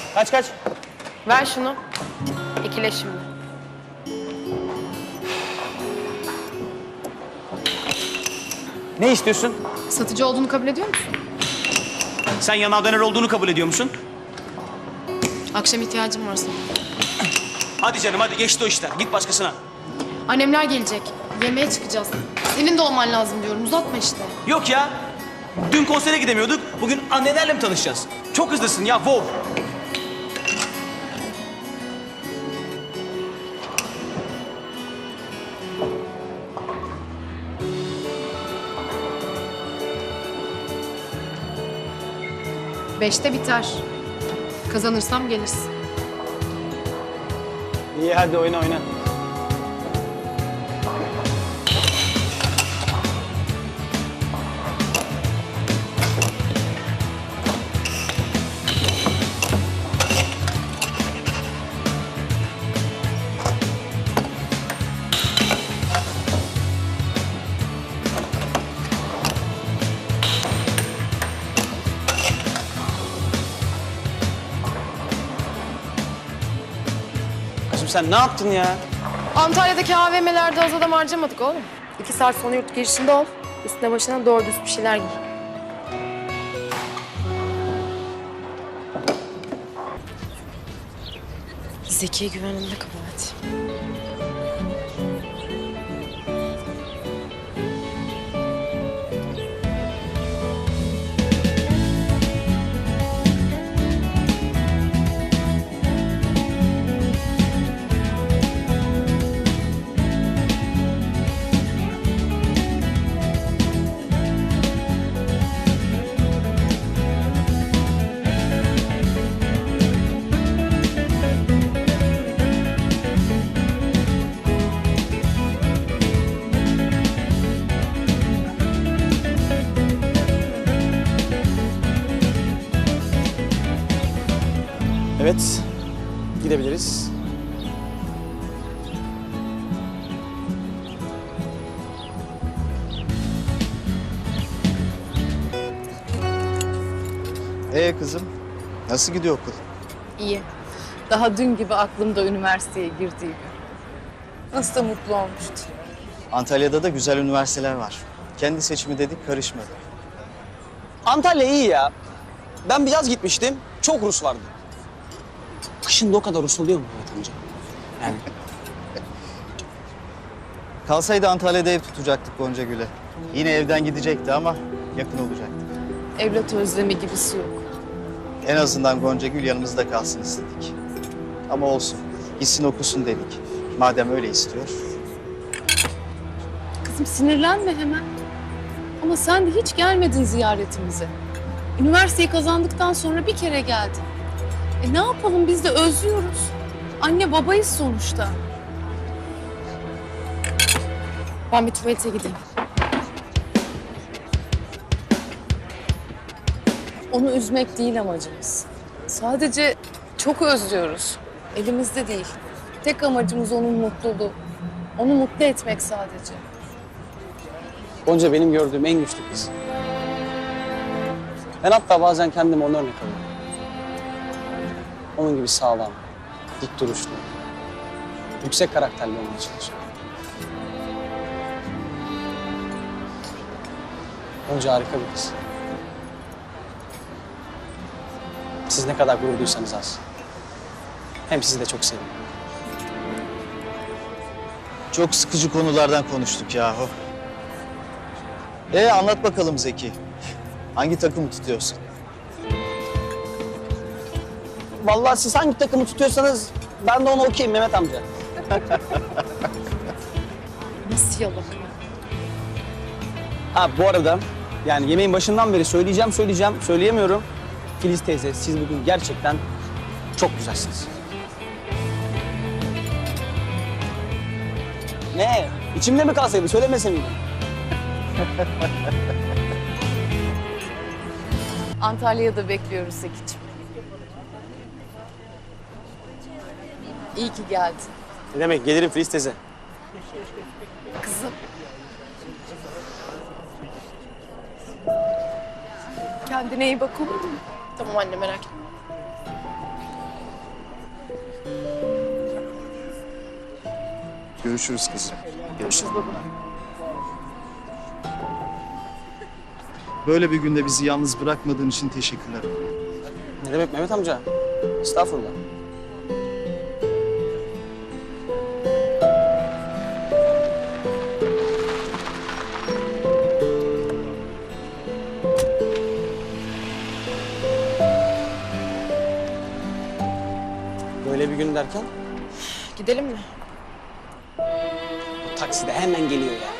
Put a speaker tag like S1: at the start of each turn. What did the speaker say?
S1: Kaç?
S2: Ver şunu. İkile şimdi.
S1: Ne istiyorsun?
S2: Satıcı olduğunu kabul ediyor musun?
S1: Sen yanağ döner olduğunu kabul ediyor musun?
S2: Akşam ihtiyacım var sana.
S1: Hadi canım hadi geçti o işler. Git başkasına.
S2: Annemler gelecek. Yemeğe çıkacağız. Senin de olman lazım diyorum. Uzatma işte.
S1: Yok ya. Dün konsere gidemiyorduk. Bugün annelerle mi tanışacağız? Çok hızlısın ya. Wow.
S2: Beşte biter. Kazanırsam gelirsin.
S1: İyi hadi oyna. Kızım sen ne yaptın ya?
S2: Antalya'daki AVM'lerde az adam harcamadık oğlum. 2 saat sonra yurt girişinde ol. Üstüne başına doğru düz bir şeyler giy. Zekiye güvenimde kabahat.
S1: Evet. Gidebiliriz.
S3: Kızım, nasıl gidiyor okul?
S4: İyi. Daha dün gibi aklımda üniversiteye girdiği gün. Nasıl da mutlu olmuştu.
S3: Antalya'da da güzel üniversiteler var. Kendi seçimi dedik, karışmadı.
S5: Antalya iyi ya. Ben bir yaz gitmiştim. Çok Rus vardı. Kışın da o kadar Rus oluyor mu Mehmet amca? Yani
S3: Kalsaydı Antalya'da ev tutacaktık Gonca Gül'e. Yine evden gidecekti ama yakın olacaktı.
S4: Evlat özlemi gibisi yok.
S3: En azından Gonca Gül yanımızda kalsın istedik. Ama olsun, gitsin okusun dedik. Madem öyle istiyor.
S4: Kızım sinirlenme hemen. Ama sen de hiç gelmedin ziyaretimize. Üniversiteyi kazandıktan sonra bir kere geldin. Ne yapalım biz de özlüyoruz. Anne babayız sonuçta.
S2: Ben bir tuvalete gideyim.
S4: Onu üzmek değil amacımız. Sadece çok özlüyoruz. Elimizde değil. Tek amacımız onun mutluluğu. Onu mutlu etmek sadece.
S5: Gonca benim gördüğüm en güçlü kız. Ben hatta bazen kendime onu örnek alıyorum. Onun gibi sağlam, dik duruşlu, yüksek karakterli olmaya çalışıyorum. Gonca harika bir kız. Siz ne kadar gurur duysanız az. Hem sizi de çok seviyorum.
S3: Çok sıkıcı konulardan konuştuk yahu. Anlat bakalım Zeki. Hangi takımı tutuyorsun?
S5: Vallahi siz hangi takımı tutuyorsanız ben de onu okuyayım Mehmet amca.
S2: Nasıl yalan?
S5: Ha bu arada yani yemeğin başından beri söyleyemiyorum. Filiz teyze siz bugün gerçekten çok güzelsiniz. Ne? İçimde mi kalsaydı söylemese miydim?
S4: Antalya'da bekliyoruz Zeki'ciğim. İyi ki geldin.
S5: Ne demek gelirim Filiz teyze.
S2: Kızım. Kendine iyi bak olur mu? Tamam anne merak etme.
S3: Görüşürüz kızım.
S2: Görüşürüz baba.
S3: Böyle bir günde bizi yalnız bırakmadığın için teşekkürler.
S5: Ne demek Mehmet amca? Estağfurullah. Böyle bir gün derken
S2: Gidelim mi?
S5: bu takside hemen geliyor ya.